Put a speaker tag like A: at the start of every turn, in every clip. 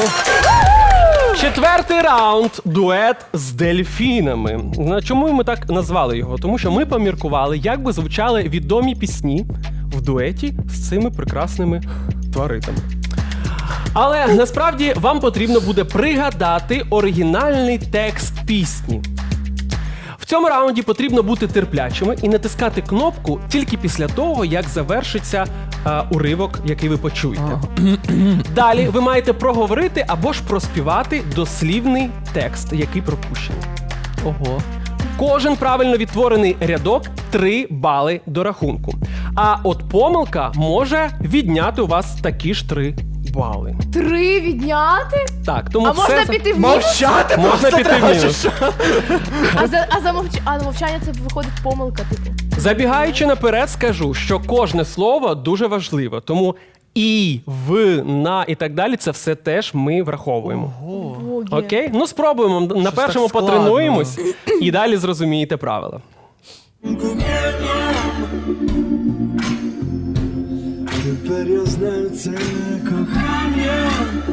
A: Четвертий раунд – дует з дельфінами. Чому ми так назвали його? Тому що ми поміркували, як би звучали відомі пісні в дуеті з цими прекрасними тваринами. Але насправді вам потрібно буде пригадати оригінальний текст пісні. В цьому раунді потрібно бути терплячими і натискати кнопку тільки після того, як завершиться уривок, який ви почуєте. Далі ви маєте проговорити або ж проспівати дослівний текст, який пропущений.
B: Ого.
A: Кожен правильно відтворений рядок 3 бали до рахунку. А от помилка може відняти у вас такі ж 3 бали.
C: 3 відняти?
A: Так, тому
C: А
A: все...
C: можна піти в мінус?
B: Мовчати
A: Можна
B: просто
A: піти в
B: треба,
A: мінус.
B: чи що?
C: А мовчання це виходить помилка, типу.
A: Забігаючи наперед, скажу, що кожне слово дуже важливе, тому і, в, на і так далі, це все теж ми враховуємо.
C: Боги.
A: Окей? Ну, спробуємо. На першому
B: так складно.
A: потренуємось і далі зрозумієте правила.
D: Тепер я знаю це кохання.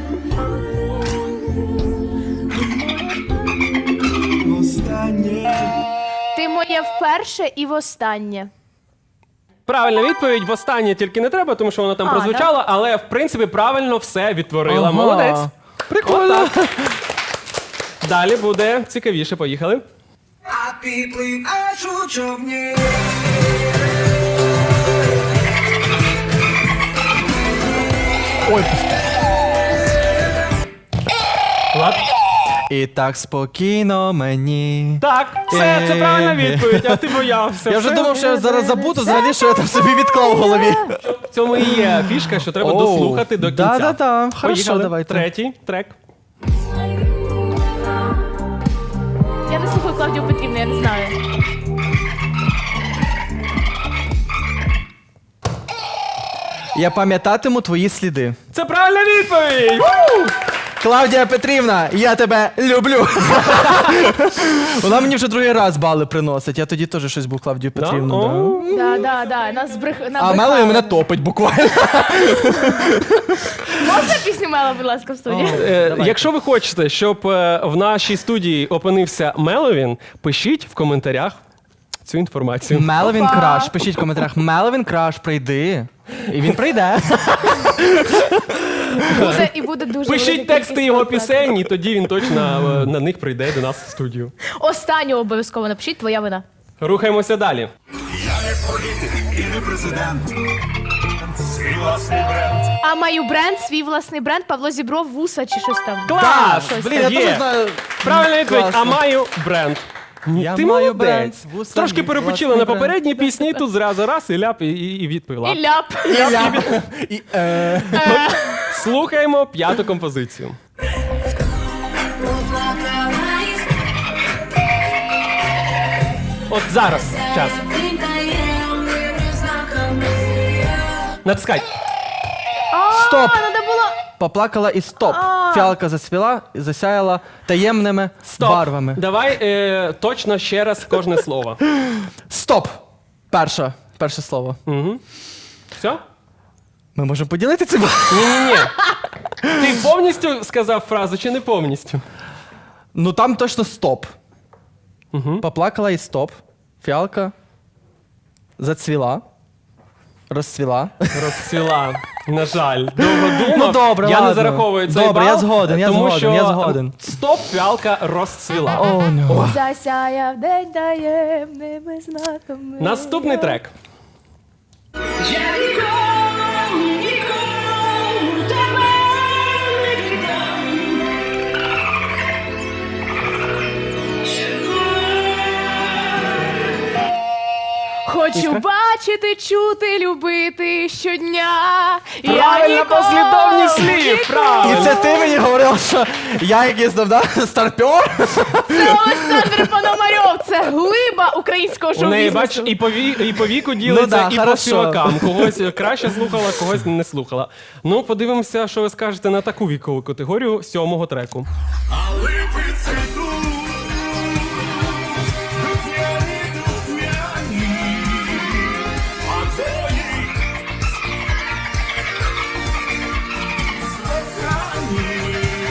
D: Востаннє.
C: Ти моє вперше і востаннє.
A: Правильна відповідь, востаннє тільки не треба, тому що воно там прозвучало, але, в принципі, правильно все відтворила.
B: Ага.
A: Молодець.
B: Прикольно.
A: Отак. Далі буде цікавіше. Поїхали.
D: А підплив аж у човні.
B: Ой.
A: Влад?
B: І так спокійно мені.
A: Так, це правильна відповідь, а ти боявся.
B: Я вже
A: Все.
B: думав, що я зараз забуду взагалі, що я там собі відклав в голові.
A: В цьому і є фішка, що треба дослухати до кінця.
B: Да-да-да. Хорошо,
A: Поїхали.
B: давайте.
A: Третій трек.
C: Я не слухаю Клавдію Петрівну, я не знаю.
B: Я пам'ятатиму твої сліди.
A: Це правильна відповідь!
B: Клавдія Петрівна, я тебе люблю. Вона мені вже другий раз бали приносить. Я тоді теж щось був Клавдію
A: Да?
B: Петрівну.
A: О.
C: Да. Нас
B: А Мелові мене топить буквально.
C: Можна пісню Мела, будь ласка, в студії?
A: Якщо ви хочете, щоб в нашій студії опинився Меловін, пишіть в коментарях цю інформацію.
B: Меловін Краш. Пишіть в коментарях. Меловін Краш, прийди. І він прийде.
C: Буде дуже
A: Пишіть
C: велика
A: тексти
C: кількість
A: його
C: контактів.
A: пісень, і тоді він точно на них прийде до нас в студію.
C: Останню обов'язково напишіть, твоя вина.
A: Рухаємося далі.
E: Я не політик і не президент. Свій власний бренд.
C: А маю бренд, свій власний бренд, Павло Зібров, вуса чи щось там.
A: Клас!
C: Щось
B: Блін,
C: там.
B: я
A: Є.
B: теж знаю.
A: Правильна відповідь, а
B: Класно.
A: маю бренд.
B: Я
A: Ти
B: маю
A: молодець.
B: бренд, вуса,
A: Трошки
B: мій
A: перепочила
B: власний
A: на
B: бренд.
A: попередній пісні, тут зразу раз і ляп, і відповіла.
C: І ляп.
B: І,
A: Слухаємо 5-ту композицію. От зараз час. Натискай.
B: Стоп!
C: Надо було...
B: Поплакала і стоп.
C: А.
B: Фіалка засвіла і засяяла таємними
A: Стоп.
B: барвами.
A: Давай точно ще раз кожне слово.
B: Стоп! Перше слово.
A: Все?
B: Ми можемо поділити це?
A: Ні. Ти повністю сказав фразу чи не повністю?
B: Ну там точно стоп. Поплакала і стоп. Фіалка зацвіла. Розцвіла.
A: Розцвіла. На жаль. Довго думав.
B: Ну, добре,
A: я не
B: ладно.
A: зараховую цей
B: Добре,
A: бал,
B: я згоден,
A: тому що
B: я згоден.
A: стоп, фіалка розцвіла.
B: О, ну.
C: Засяяв день таємними знаками.
A: Наступний трек.
F: Я нікому тебе не віддам.
C: Хочу бачити, чути, любити щодня.
A: Правильна послідовність слів,
B: І
A: правильно.
B: це ти мені говорив, що я якийсь старпьор?
C: Це Олександр Пономарьов, це глиба українського
A: У неї, бач,
C: шоу-бізнесу.
A: і по віку ділиться,
B: Ну да,
A: і по
B: хорошо.
A: співакам. Когось краще слухала, когось не слухала. Ну, подивимося, що ви скажете на таку вікову категорію 7-го треку.
E: А липи цвітуть. Духмяні, духмяні. А твої кохані.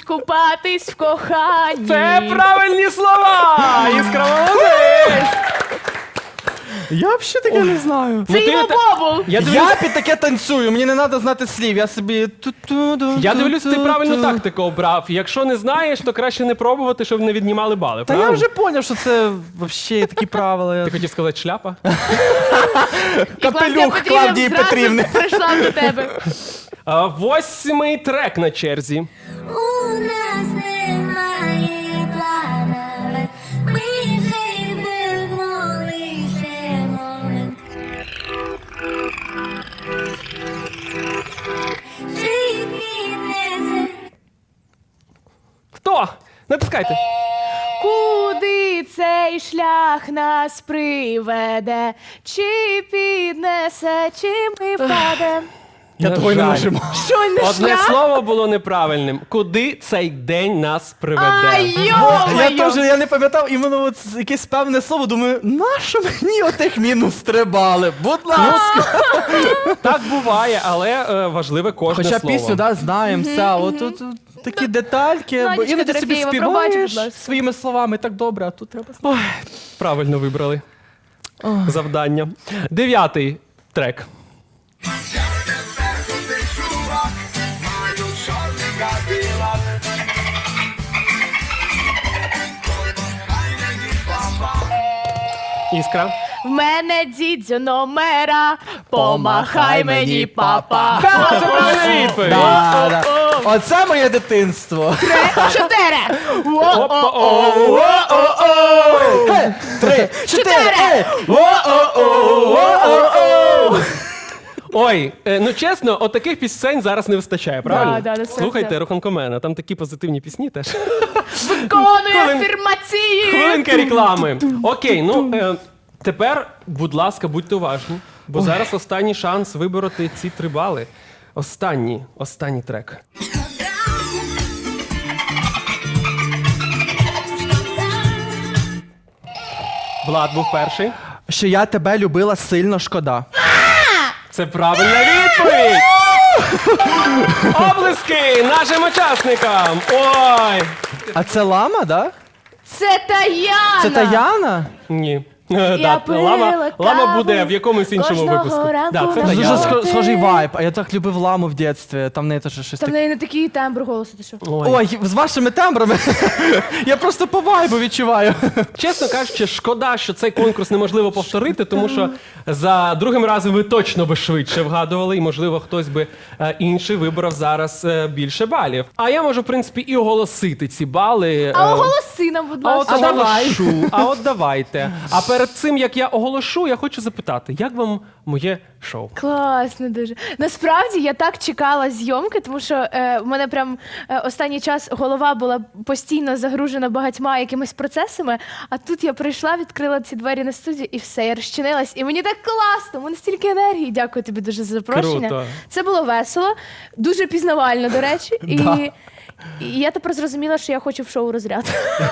C: купатись в коханні.
A: Це правильні слова! Іскра молодець!
B: Я взагалі таке не знаю.
C: Це
A: Ну, ти
C: його
A: та-
C: бобул.
A: Я дивлюсь,
B: Я під таке танцюю, мені не треба знати слів, я собі...
A: я дивлюсь, ти правильну тактику обрав. Якщо не знаєш, то краще не пробувати, щоб не віднімали бали.
B: Та я
A: правильно?
B: вже зрозумів, що це взагалі такі правила.
A: Ти хотів сказати шляпа?
C: І Клавдія
B: Капелюх Клавдії
C: зразу
B: Петрівни.
C: прийшла до тебе.
A: 8-й трек на черзі.
G: У нас немає планів, ми живемо лише момент. Чи піднесе
A: Хто? Натискайте.
C: Куди цей шлях нас приведе? Чи піднесе, чи ми впадемо?
B: Я того й не нажимав.
C: Що не
A: Одне
C: шлях?
A: слово було неправильним. Куди цей день нас приведе?
C: Ай,
B: Я
C: йо-моє!
B: теж я не пам'ятав іменно от якесь певне слово, думаю, нащо мені отих мінус стрибали? Будь ласка.
A: Так буває, але важливе кожне
B: Хоча
A: слово.
B: пісню, да, знаємо, все, от тут такі детальки, бо
C: Надічка
B: іноді собі
C: Дорофєєва, пробач, будь
B: співаєш
C: ласка.
B: своїми словами так добре, а тут треба...
A: Ой, правильно вибрали завдання. 9-й трек. Іскра.
C: В мене дідзю номера, помахай мені, папа.
A: Це правильна відповідь.
B: Да, да. Оце моє дитинство.
C: 4.
B: Хе, 3, 4,
A: Ой, ну чесно, от таких пісень зараз не вистачає, правильно?
C: Да, насправді.
A: Слухайте Руханкомена, там такі позитивні пісні теж.
C: Виконую
A: Хвилин-
C: афірмації.
A: Хвилинка реклами. Окей, ну тепер, будь ласка, будьте уважні, бо зараз останній шанс вибороти ці 3 бали. Останній трек. Влад був перший.
B: Що я тебе любила сильно, шкода.
A: Це правильна відповідь! Облиски нашим учасникам! Ой!
B: А це лама, да?
C: Це Таяна.
B: Це Таяна?
A: Ні.
C: Я пила
A: Лама
C: каву
A: буде в якомусь іншому
C: кожного
A: випуску.
C: ранку
A: Да, це
C: на
B: Дуже
A: Таяна.
B: схожий вайб, а я так любив ламу в дитинстві, там в неї теж щось
C: Там в
B: таке.
C: неї не такий тембр голосу, ти що?
B: Ой, з вашими тембрами я просто по вайбу відчуваю.
A: Чесно кажучи, шкода, що цей конкурс неможливо повторити, тому що за другим разом ви точно би швидше вгадували, і, можливо, хтось би інший вибрав зараз більше балів. А я можу, в принципі, і оголосити ці бали.
C: А оголоси нам, будь
A: А от
C: ласка.
A: оголошу, а от давайте. А перед цим, як я оголошу, я хочу запитати, як вам моє шоу?
C: Класно дуже. Насправді я так чекала зйомки, тому що в мене прям останній час голова була постійно загружена багатьма якимись процесами, а тут я прийшла, відкрила ці двері на студію і все, я розчинилась. І мені так класно, у мене стільки енергії. Дякую тобі дуже за запрошення.
A: Круто.
C: Це було весело, дуже пізнавально, до речі. І я тепер зрозуміла, що я хочу в шоу розряд.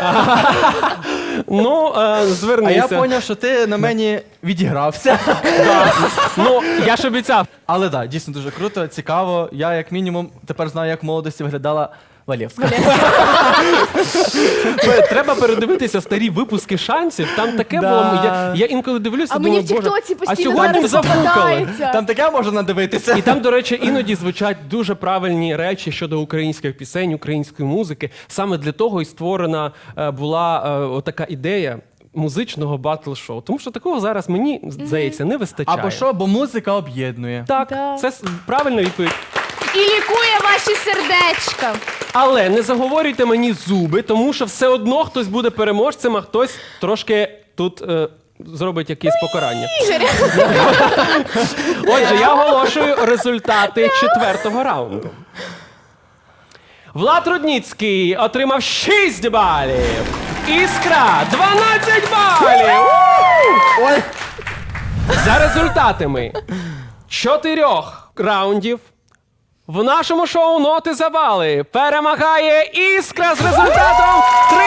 A: Ну,
B: А
A: звернися.
B: я зрозумів, що ти на мені відігрався.
A: Ну, я ж обіцяв.
B: Але так, дійсно дуже круто, цікаво. Я, як мінімум, тепер знаю, як в молодості виглядала Валєвська.
A: Треба передивитися старі випуски шансів. Там таке
B: Да.
A: було. Я інколи дивлюся,
C: А
A: думаю,
C: мені в
A: боже,
C: Тіктоці
A: а
C: постійно
A: сьогодні
C: зараз
A: зафукали.
C: попадається.
B: Там таке можна надивитися.
A: І там, до речі, іноді звучать дуже правильні речі щодо українських пісень, української музики. Саме для того і створена була отака ідея музичного батл-шоу. Тому що такого зараз, мені здається, не вистачає.
B: Або що, бо музика об'єднує.
A: Так,
C: Да.
A: це правильна відповідь.
C: І лікує ваші сердечка.
A: Але не заговорюйте мені зуби, тому що все одно хтось буде переможцем, а хтось трошки тут зробить якесь покарання. Отже, я оголошую результати 4-го раунду. Влад Рудніцький отримав 6 балів. Іскра 12 балів.
B: Ой,
A: За результатами 4 раундів в нашому шоу «Ноти за бали» перемагає Іскра з результатом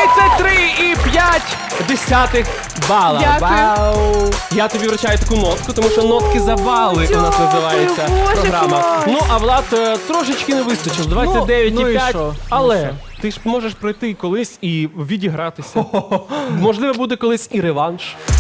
A: 33,5 бала.
C: Дякую.
B: вау.
A: Я тобі вручаю таку нотку, тому що «Нотки за бали» у нас
C: Дякую,
A: називається
C: Боже
A: програма.
C: клас.
A: Ну, а Влад трошечки не вистачило, 29,5,
B: ну і що?
A: але Ти ж можеш прийти колись і відігратися. Можливо, буде колись і реванш.